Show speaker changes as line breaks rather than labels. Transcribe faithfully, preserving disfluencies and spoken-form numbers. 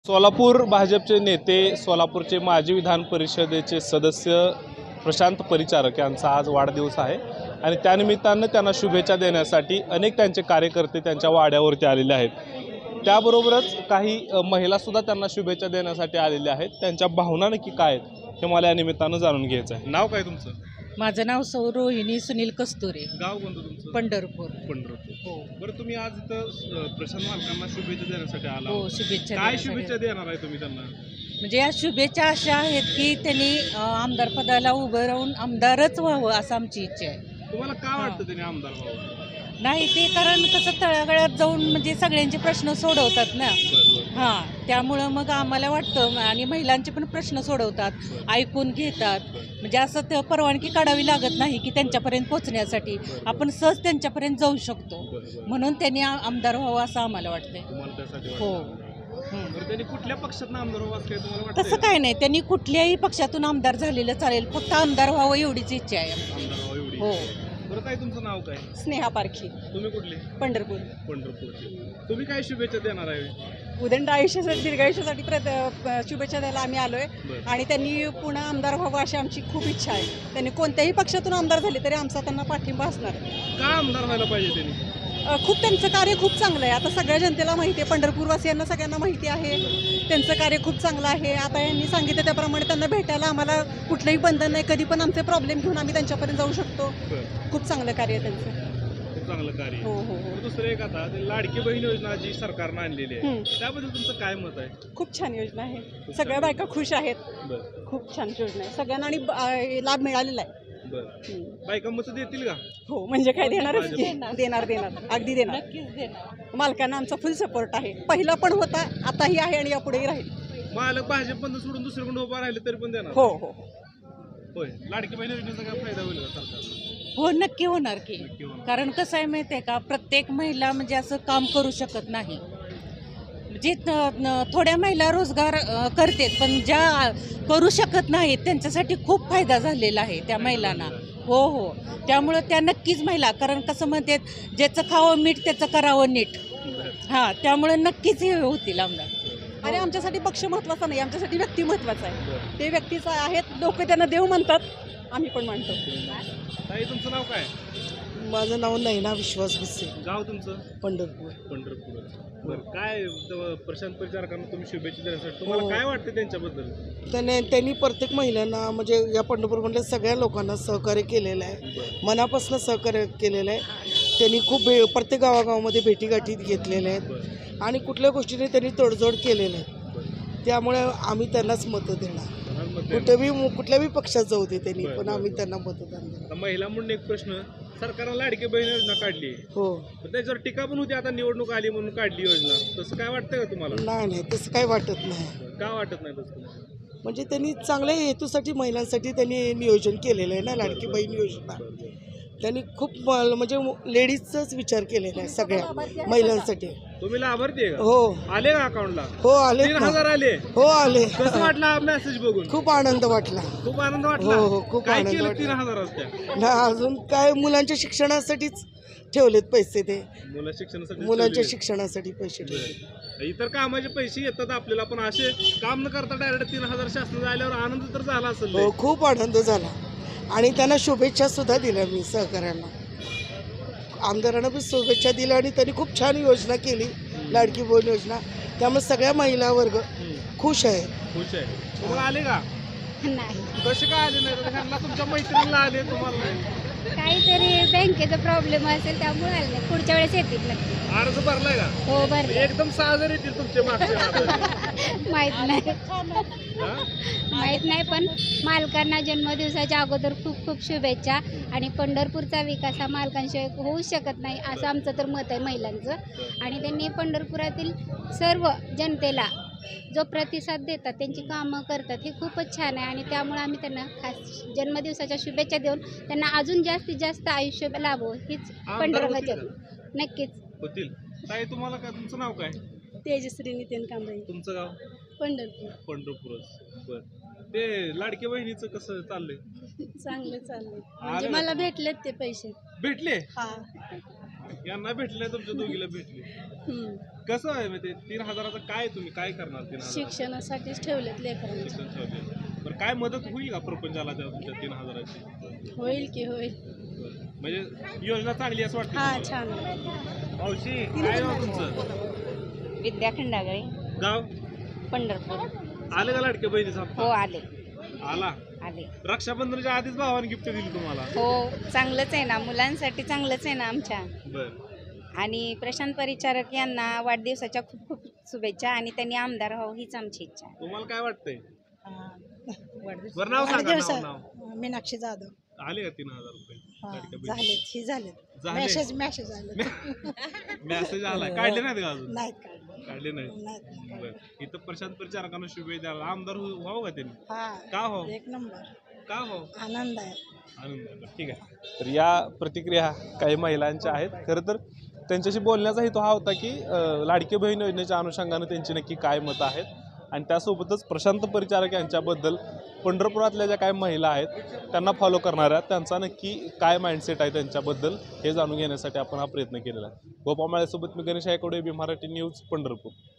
सोलापूर भाजपचे नेते सोलापूरचे माजी विधान परिषदेचे सदस्य प्रशांत परिचारक यांचा आज वाढदिवस आहे आणि त्यानिमित्तानं त्यांना शुभेच्छा देण्यासाठी अनेक त्यांचे कार्यकर्ते त्यांच्या वाड्यावरती आलेले आहेत। त्याबरोबरच काही महिलासुद्धा त्यांना शुभेच्छा देण्यासाठी आलेल्या आहेत। त्यांच्या भावना नक्की काय आहेत हे मला या निमित्तानं जाणून घ्यायचं आहे। नाव काय तुमचं?
माझं नाव सौ रोहिणी सुनील कस्तुरे।
गाव कोणतं तुमचं?
पंढरपूर।
पंढरपूर
हो।
बरं, तुम्ही आज इथं प्रशांत मालकांना शुभेच्छा देण्यासाठी आला?
हो, शुभेच्छा।
काय शुभेच्छा देणार आहे तुम्ही त्यांना?
म्हणजे या शुभेच्छा अशा आहेत की त्यांनी आमदार पदाला उभं राहून आमदारच व्हावं असं आमची इच्छा आहे।
तुम्हाला काय वाटतं त्यांनी आमदार व्हावं?
नाही, ते कारण कसं तळागाळात जाऊन म्हणजे सगळ्यांचे प्रश्न सोडवतात ना। हां, त्यामुळं मग आम्हाला वाटतं आणि महिलांचे पण प्रश्न सोडवतात, ऐकून घेतात। म्हणजे असं ते परवानगी काढावी लागत नाही की त्यांच्यापर्यंत पोहोचण्यासाठी आपण सहज त्यांच्यापर्यंत जाऊ शकतो, म्हणून त्यांनी आमदार व्हावं असं आम्हाला वाटतंय। हो।
त्यांनी कुठल्या पक्षातून आमदार व्हावं असं तुम्हाला वाटतं?
तसं काय नाही, त्यांनी कुठल्याही पक्षातून आमदार झालेलं चालेल, फक्त आमदार व्हावं एवढीच इच्छा आहे।
आमदार व्हावं एवढी? हो। बरं, काय तुमचं नाव काय?
स्नेहा पारखी।
तुम्ही कुठले?
पंढरपूर।
पंढरपूरचे। तुम्ही काय शुभेच्छा देणार आहे?
उदंड आयुष्यासाठी दीर्घायुष्यासाठी शुभेच्छा द्यायला आम्ही आलोय आणि त्यांनी पुन्हा आमदार व्हावं अशी आमची खूप इच्छा आहे। त्यांनी कोणत्याही पक्षातून आमदार झाले तरी आमचा त्यांना पाठिंबा असणार।
का आमदार व्हायला पाहिजे त्यांनी?
खूप त्यांचं कार्य खूप चांगलं आहे। आता सगळ्या जनतेला माहिती आहे, पंढरपूरवासियांना सगळ्यांना माहिती आहे त्यांचं कार्य खूप चांगलं आहे। आता यांनी सांगितलं त्याप्रमाणे त्यांना भेटायला आम्हाला कुठलंही बंधन नाही, कधी पण आमचे प्रॉब्लेम घेऊन आम्ही त्यांच्यापर्यंत जाऊ शकतो। खूप चांगलं कार्य आहे त्यांचं।
खूप चांगलं कार्य।
हो हो हो।
दुसरं एक आता लाडकी बहीण योजना जी सरकारनं आणलेली आहे त्याबद्दल तुमचं काय मत आहे?
खूप छान योजना आहे, सगळ्या बायका खुश आहेत। खूप छान योजना आहे, सगळ्यांना आणि लाभ मिळालेला आहे।
बायका मत देतील का?
हो, म्हणजे काय देणारच, देणार देणार अगदी देणार,
नक्कीच देणार।
मालकांना आमचा फुल सपोर्ट आहे, पहिला पण होता, आताही आहे आणि यापुढेही राहील।
मालक भाजप बंद सोडून दुसरीकडे उभा राहिले तरी पण देणार?
हो हो
होय। लाडकी बहीण योजनेचा काय फायदा होईल का सरकारला?
हो, नक्की होणार की। कारण कसं आहे माहिती आहे का, प्रत्येक महिला म्हणजे असं काम करू शकत नाही। म्हणजे थोड्या महिला रोजगार करतात, पण ज्या करू शकत नाहीत त्यांच्यासाठी खूप फायदा झालेला आहे त्या महिलांना। हो हो, त्यामुळं त्या नक्कीच महिला, कारण कसं म्हणतात, ज्याचं खावं मीठ त्याचं करावं नीट। हां, त्यामुळं नक्कीच हे होतील आमदार।
आणि आमच्यासाठी पक्ष महत्त्वाचा नाही, आमच्यासाठी व्यक्ती महत्त्वाचा आहे। ते व्यक्तीचं आहेत, लोक त्यांना देव म्हणतात, आम्ही पण मानतो।
ताई, तुमचं नाव काय?
माझं नाव नैना विश्वास भिसे।
गाव तुमचं?
पंढरपूर।
पंढरपूर। बरं, काय प्रशांत परिचारकांना तुम्ही शुभेच्छा देण्यासाठी तुम्हाला काय वाटतं त्यांच्याबद्दल?
त्याने त्यांनी प्रत्येक महिलांना म्हणजे या पंढरपूरमधल्या सगळ्या लोकांना सहकार्य केलेलं आहे, मनापासून सहकार्य केलेलं आहे। त्यांनी खूप भे प्रत्येक गावागावामध्ये भेटीगाठी घेतलेल्या आहेत आणि कुठल्या गोष्टीने त्यांनी तडजोड केलेल्या आहेत, त्यामुळे आम्ही त्यांनाच मतं देणार। कुठेही कुठल्याही पक्षात जाऊ दे त्यांनी, पण आम्ही त्यांना मतदान देणार।
महिला म्हणून एक प्रश्न, सरकारनं लाडकी बहीण योजना काढली
हो,
त्याच्यावर टीका पण होती, आता निवडणूक आली म्हणून काढली योजना, तसं काय वाटतं का तुम्हाला?
नाही नाही, तसं काही वाटत नाही।
का वाटत नाही तसं?
म्हणजे त्यांनी चांगल्या हेतूसाठी महिलांसाठी त्यांनी नियोजन केलेलं आहे ना, लाडकी बहीण योजना। त्यांनी खूप म्हणजे लेडीजचाच विचार केलेला आहे सगळ्या महिलांसाठी।
तुम्ही लाभार्थी आहे का?
हो।
आले का अकाउंटला?
हो, आले।
तीन हजार आले?
हो, आले।
कसं वाटला मेसेज बघून?
खूप आनंद वाटला।
खूप आनंद वाटला?
हो हो, खूप
काय
आनंद
केलं
वाटला।
तीन हजार असत्या?
ना, अजून काय मुलांच्या शिक्षणासाठीच ठेवलेत पैसे, ते
मुलं शिक्षणासाठी
मुलांच्या शिक्षणासाठी पैसे ठेवले।
इतर कामाचे पैसे येतात आपल्याला, पण असे काम न करता डायरेक्ट तीन हजार शासनाचा आल्यावर आनंद तर झाला असेल?
हो, खूप आनंद झाला आणि त्यांना शुभेच्छा सुद्धा दिल्या मी सहकाऱ्यांना, आमदारांना पण शुभेच्छा दिल्या आणि त्यांनी खूप छान योजना केली, लाडकी बहीण योजना। त्यामुळे सगळ्या महिला वर्ग खुश आहे।
खुश आहे। तुम्हाला आले का?
नाही,
कसे काय आले नाही? ह्यांना तुमच्या मैत्रिणीला आले, तुम्हाला नाही?
काहीतरी बँकेचा प्रॉब्लेम असेल त्यामुळे आले नाही, पुढच्या वेळेस येतील नक्की।
अर्ज भरलाय का?
हो, भरले।
एकदम सहा हजार येतील तुमचे मागचे
माहित नाही माहित नाही पण मालकांना जन्मदिवसाच्या अगोदर खूप खूप शुभेच्छा। आणि पंढरपूरचा विकास हा मालकांशिवाय होऊ शकत नाही असं आमचं तर मत आहे महिलांचं। आणि त्यांनी पंढरपुरातील सर्व जनतेला जो प्रतिसाद देतात, त्यांची कामं करतात, हे खूपच छान आहे। आणि त्यामुळे आम्ही त्यांना खास जन्मदिवसाच्या शुभेच्छा देऊन त्यांना अजून जास्तीत जास्त आयुष्य लाभो हीच पंढरपूरच्या नक्कीच
होतील। ताई, तुम्हाला काय, तुमचं नाव काय?
तेजश्री नितीन कांबळे।
तुमचं गाव?
पंढरपूर।
पंढरपूरच। बर, ते लाडकी बहिणीचं कसं चाललंय?
चांगले चालले, म्हणजे मला भेटलेत ते पैसे।
भेटले?
हा,
यांना भेटले तुमच्या दोघीला भेटले. कसं आहे मग ते तीन हजाराचं काय तुम्ही काय करणार तीन हजार
शिक्षणासाठीच ठेवलेत लेकरांच्या.
शिक्षण ठेवले. बरं काय मदत होईल का प्रपंचाला त्या तुमच्या तीन हजाराची?
होईल की होईल.
म्हणजे योजना चांगली असं वाटतं
हा
तुम्हाला?
छान.
मावशी काय नाव तुमचं?
विद्या खंडागळे,
गाव
पंढरपूर.
आले का लाडके बहिणीचा
हो
हप्ता?
आले
आला.
आले.
रक्षाबंधनाच्या आधीच भावाने गिफ्ट दिली तुम्हाला?
हो चांगलंच आहे ना, मुलांसाठी चांगलंच आहे ना आमच्या.
बर.
आणि प्रशांत परिचारक यांना वाढदिवसाच्या खूप खूप शुभेच्छा आणि त्यांनी आमदार व्हावं हीच आमची इच्छा आहे.
तुम्हाला काय वाटतंय?
वाढदिवस
बरं नाव सांगा, नाव नाव.
मीनाक्षी जाधव.
आले का तीन हजार रुपये लाडक्या बहिणी?
झालेत ही झालेत.
झाले?
मेसेज मेसेज आले.
मेसेज आलाय, काढले नाहीत का अजून?
नाहीत काढले.
काढले नाही.
नाहीत.
बरं. इथं प्रशांत परिचारकांना शुभेच्छा द्यायला आमदार हो- व्हावं का त्यांनी?
हा
का हो?
एक नंबर.
का हो?
आनंद आहे.
आनंद आहे. ठीक आहे. तर या प्रतिक्रिया काही महिलांच्या आहेत. खरं तर त्यांच्याशी बोलण्याचा हेतू हा होता की अ, लाडकी बहीण योजनेच्या अनुषंगानं त्यांची नक्की काय मतं आहेत आणि त्यासोबतच प्रशांत परिचारक यांच्याबद्दल पंढरपुरातल्या ज्या काही महिला आहेत त्यांना फॉलो करणाऱ्या त्यांचा नक्की काय माइंडसेट आहे त्यांच्याबद्दल हे जाणून घेण्यासाठी आपण हा प्रयत्न केलेला आहे. गोपामाळ्यासोबत मी गणेश आयकोडे, बी मराठी न्यूज, पंढरपूर.